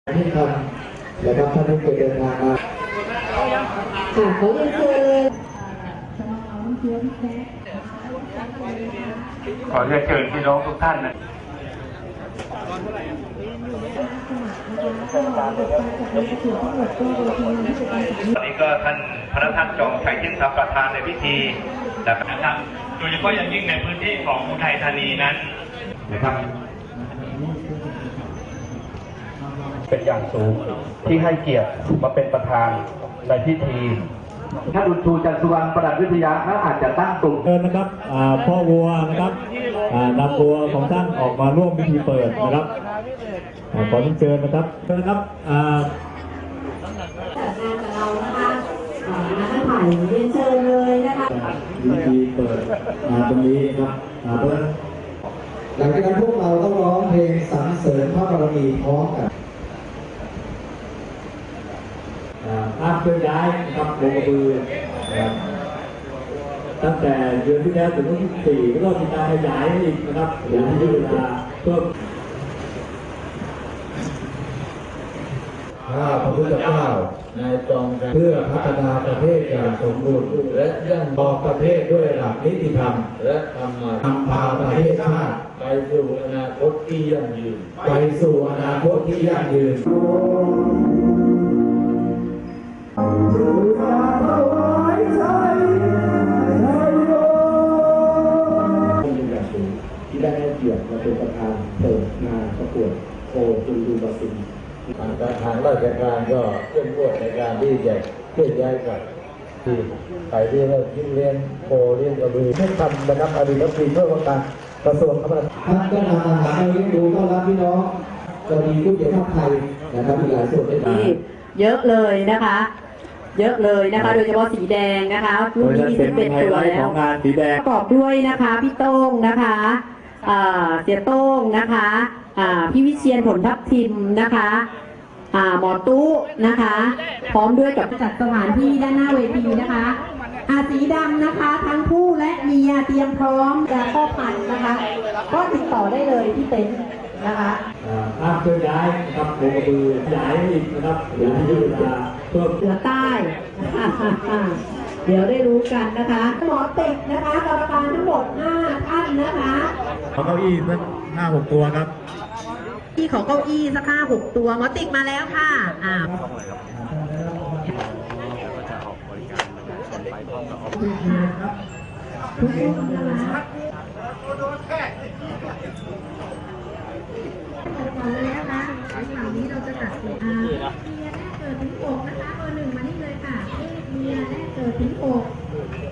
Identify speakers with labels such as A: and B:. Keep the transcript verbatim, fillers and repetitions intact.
A: ที่ทำนะครับท่านที่เคยเดินทางมา
B: ค่ะขอเรียนเชิญ
C: ขอเรียนเชิญพี่น้องทุกท่านนะตอนนี้ก็ท่านพระท่านจองชัยเทียนทรัพย์ประธานในพิธีนะครับโดยเฉพาะอย่างยิ่งในพื้นที่ของอุทัยธานีนั้นนะครับเป็นอย่างสูงที่ให้เกียรติมาเป็นประธานในพิธีถ้าดุจชูจันทร์สุวรรณประดับวิทยาเขาอาจจะตั้งกลุ่ม
D: เชิญนะครับพ่อวัวนะครับนำวัวของท่านออกมาร่วมพิธีเปิดนะครับขอเชิญนะครับเชิญนะครับ
B: เรานะคะท่านถ่ายเรียนเชิญเลยนะคะ
D: พิธีเปิดตรงนี้ครับ
A: หลังจากนั้นพวกเราต้องร้องเพลงสรรเสริญพระบารมีพร้อมกัน
D: ภาพเคลื่อนย้ายนะครับลงกระบือตั้งแต่เดือนที่แล้วถึงวันที่สี่ก็มีการขยายอีกนะครับขยายเวลาเพื่อ
A: ข้าพระพุทธเจ้าในจองเพื่อพัฒนาประเทศอย่างสมบูรณ์และยั่งยืนประเทศด้วยหลักนิติธรรมและธรรมะนำพาประเทศชาติไปสู่อนาคตที่ยั่งยืนไปสู่อนาคตที่ยั่งยืนที่ได้ให้เกียรติมาเป็นประธานเปิดงานประกวดโคจุลูบาซินทางราชการก็เข้มงวดในการที่จะเคลื่อนย้ายกับที่ไปเรียนที่เรียนโคเรียนกระบือไม่ทำนะครับอดีตรัฐมนตรีเพื่อการกระทรวงคมนาคมท่านก็นำอาหารมาเลี้ยงดูต้อนรับพี่น้องจะมีผู้เกี่ยวข้องไทยนะครับมีหลายส่วนด้วย
B: เยอะเลยนะคะเยอะเลยนะคะโดยเฉพาะสีแดงนะคะรุ่นนี้มีสิบเอ็ดตัวแล้วประกอบด้วยนะคะพี่โต้งนะคะเสียโต้งนะคะพี่วิเชียรผลทับทิมนะคะหมอตู้นะคะพร้อมด้วยกับจัดสถานที่ด้านหน้าเวทีนะคะสีดำนะคะทั้งผู้และเมียเตรียมพร้อมจะพ่อพันธุ์นะคะก็ติดต่อได้เลยที่เต็นท์นะคะ
D: ภาพเคลื่อนย้ายนะครับลงกระบือขยายอีกนะครับขยายเวลา
B: เพื่อเหนือใต้เดี๋ยวได้รู้กันนะคะหมอติดนะคะกรรมการทั้งหมดห้าท่านนะคะ
D: ขอเก้าอี้สักห้าหกตัวครับ
B: ที่ขอเก้าอี้สักห้าหกตัวหมอติดมาแล้วค่ะอ่าทุกคนนะคะก่อนเลยนะคะในคราวนี้เราจะตัดเมียแรกเกิดถึงอกนะคะเบอร์หนึ่งมานี่เลยค่ะเมียแรกเกิดถึงอก